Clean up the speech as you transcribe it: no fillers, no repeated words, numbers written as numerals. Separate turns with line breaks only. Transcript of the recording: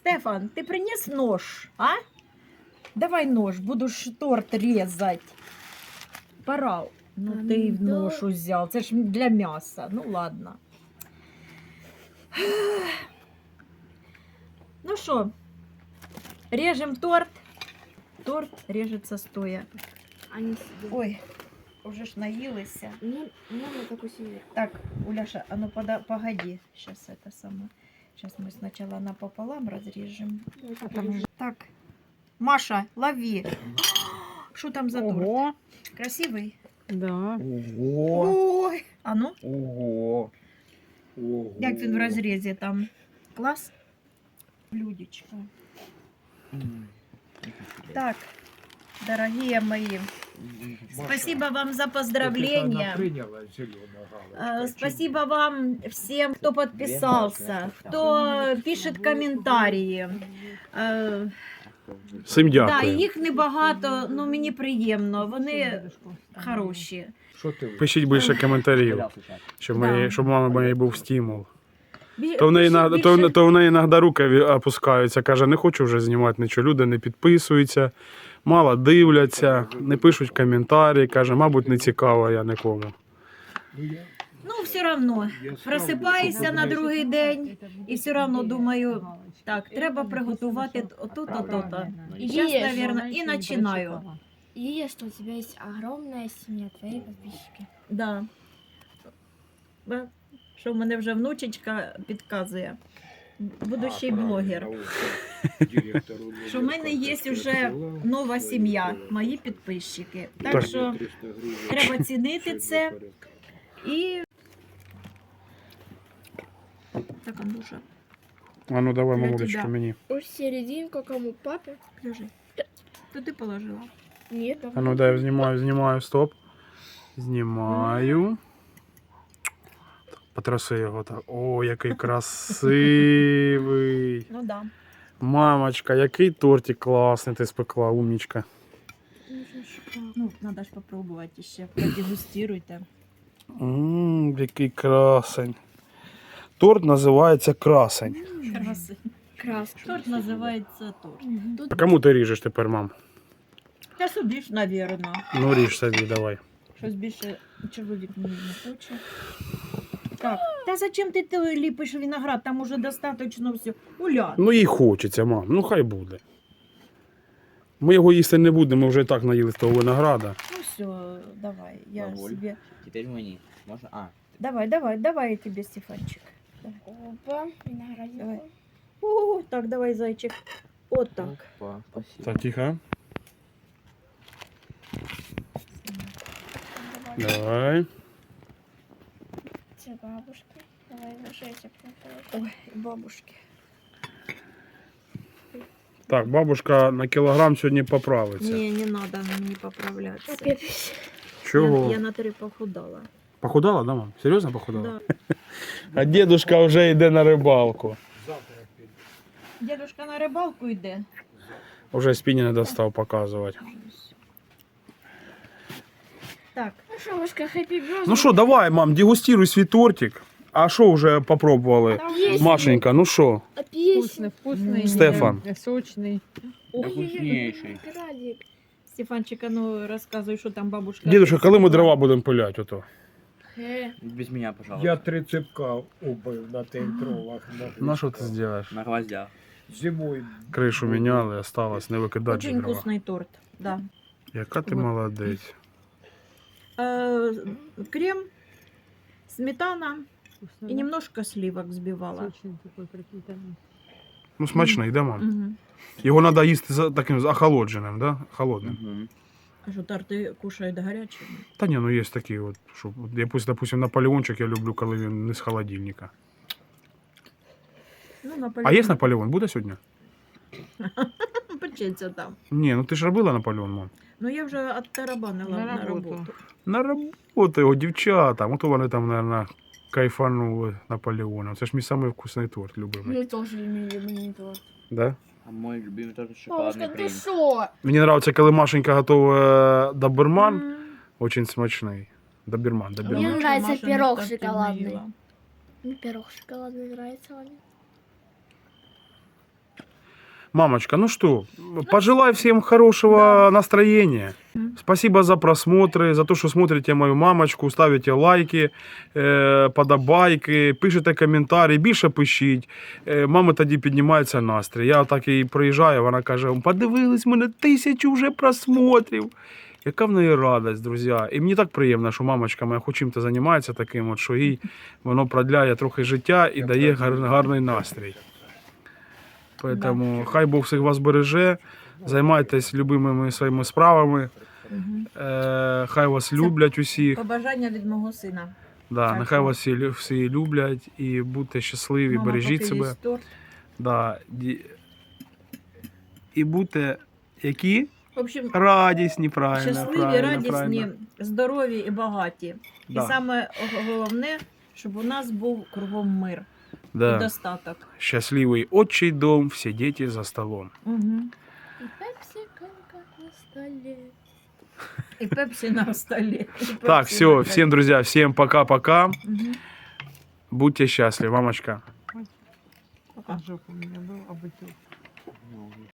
Стефан, ты принес нож, а? Давай нож, буду ж торт резать. Пора. Ну ты и нож взял, это ж для мяса. Ну ладно. Ну что, режем торт. Торт режется стоя.
Они сидят.
Ой, уже ж наелся.
Мне на такой семье.
Так, Уляша, а ну погоди. Сейчас это самое. Сейчас мы сначала напополам разрежем. Так, Маша, лови. Что там за торт?
Ого,
Красивый?
да.
Ого!
Ой. А ну,
Ого! Ого!
як він в розрізі там? Клас? Блюдечко. Так, дорогие мои, спасибо вам за поздравления. Спасибо вам всем, кто подписался, кто пишет комментарии.
Всім
Да,
дякую.
їх небагато, ну мені приємно, вони хороші.
Що ти?
Пишіть більше коментарів, щоб,
Да.
щоб мама моєї був стимул.
Бі-
То в неї,
більше-
то в неї іноді руки опускаються, каже, не хочу вже знімати нічого. Люди не підписуються, мало дивляться, не пишуть коментарі, каже, мабуть, не цікаво я нікому.
Ну, все одно, просипаюся на другий день і все одно думаю, так, треба приготувати ото-то, то-то. І зараз,
Є,
мабуть, і починаю.
И что у тебя есть огромная семья, твои подписчики.
Да. Що в мене вже внучечка підказує. Будущий блогер. Що в мене є вже нова сім'я, мої підписчики. Так
Так.
що треба цінити це. І так, Андрюша,
А ну давай,
Для
мамулечка,
тебе.
мені.
Уж серединку кому папе?
лежи. То ти положила.
Нет,
А ну дай, знімаю, стоп. Знімаю. Потраси його так. О, який красивий.
Ну да.
Мамочка, який тортик класний ти спекла, умнічка.
Ну, треба ж попробувати ще. Продегустируйте.
Який красень. Торт називається красень.
Краси.
краска.
Торт називається торт.
А кому ти ріжеш тепер, мам?
Та собі ж, навірно.
Ну ріж собі, давай.
Щось більше чоловік мені не хоче. Так, та зачем ти ліпиш виноград? Там уже достатньо все. Уля.
Ну їй хочеться, мам, ну хай буде. Ми його їсти не будемо, ми вже і так наїли з того винограда.
Ну все, давай, я
Бабуль.
себе.
Теперь мені. Можна? А.
Давай я тебе, Стефанчик.
Опа, виноградик.
Давай. О, так, давай, зайчик. Вот так.
Опа, спасибо.
Так, тихо. Давай.
Це бабушки. Давай ложись.
Ой, бабушки.
Так, бабушка на кілограм сьогодні поправиться.
Не надо мне поправляться.
Чого?
Я на 3 похудала.
Похудала, да, мам? Серйозно похудала?
Да.
А дедушка вже йде на рибалку.
Дедушка на рибалку йде.
Уже спині не достав показувати.
Так,
Ну что, бабушка, хэппи бёрз.
Ну що, давай, мам, дегустируй свій тортик. А що вже попробували?
там
Есть.
Машенька, ну що?
Вкусный, вкусный.
Стефан.
Сочный.
Вкуснейший.
Виноградик.
Стефанчик, а ну розказуй, що там бабушка.
Дедушка, коли ми дрова будемо пиляти ото?
Без меня, пожалуйста.
Я 3 цепка убив на тих дровах.
На що ти зробиш?
На гвоздях.
Зимою.
Кришу міняли, осталось не викидати же
Очень
дрова.
вкусний торт, да.
Яка ти
Вот.
молодець.
Крем, сметана
Вкусно,
и
да?
немножко сливок взбивала.
Сочный такой пропитанный.
Ну смачний, да, мам?
Мгм.
Його треба їсти таким охолодженим, да? Холодним.
Мгм.
А что, торты кушают горячими?
Та ні, ну є такі от, що от я допустим, Наполеончик я люблю, коли він не з холодильника.
Ну,
А
Наполеон.
є Наполеон? Буде сьогодні?
Почеться там.
Ні, ну ти ж робила Наполеон, мам.
Ну, я вже оттарабанила
На
на
роботу.
роботу.
На роботу його дівчата. Ото вони там, мабуть, кайфанули Наполеоном. Це ж мій самий вкусний торт, любимий.
Мы тоже имели монитор.
Да?
А мой любимый тоже
Бабушка,
шоколадный
ты
принц.
шо?
Мені подобається, коли Машенька готує доберман.
М.
Очень смачний. Доберман.
Мне
Раньше
нравится
Маша
пирог
торты не
шоколадный.
ела.
Пирог шоколадный нравится Ване.
Мамочка, ну что, пожелай всем хорошего настроения. Спасибо за просмотры, за то, что смотрите мою мамочку, ставите лайки, подобайки, пишете коментарі, більше пишіть. Мами тоді піднімається настрій. Я так і приїжджаю, вона каже, подивились, в мене 1000 вже просмотрів. Яка в неї радість, друзі. І мені так приємно, що мамочка моя хоч чим-то займається таким, от, що їй воно продляє трохи життя і дає гарний настрій. Тому хай Бог всіх вас береже, займайтесь любимими своїми справами, хай вас люблять усіх.
Побажання від мого сина.
Да,
Так,
нехай
так.
вас всі люблять і будьте щасливі,
Мама,
бережіть
поки
себе.
їсть торт.
Да, і будьте які?
В общем,
Радісні, правильно.
щасливі,
правильно,
радісні,
правильно.
здорові і багаті.
Да.
І саме головне, щоб у нас був кругом мир і
Да.
достаток.
Счастливый отчий дом, все дети за столом.
Угу.
И пепси-колка на столе.
І пепсі на столі. і
Так,
пепсі
все,
на
всем, друзья, всем пока-пока.
Мгм.
Будьте счастливы, мамочка.
А жопа у меня был, а бутылка.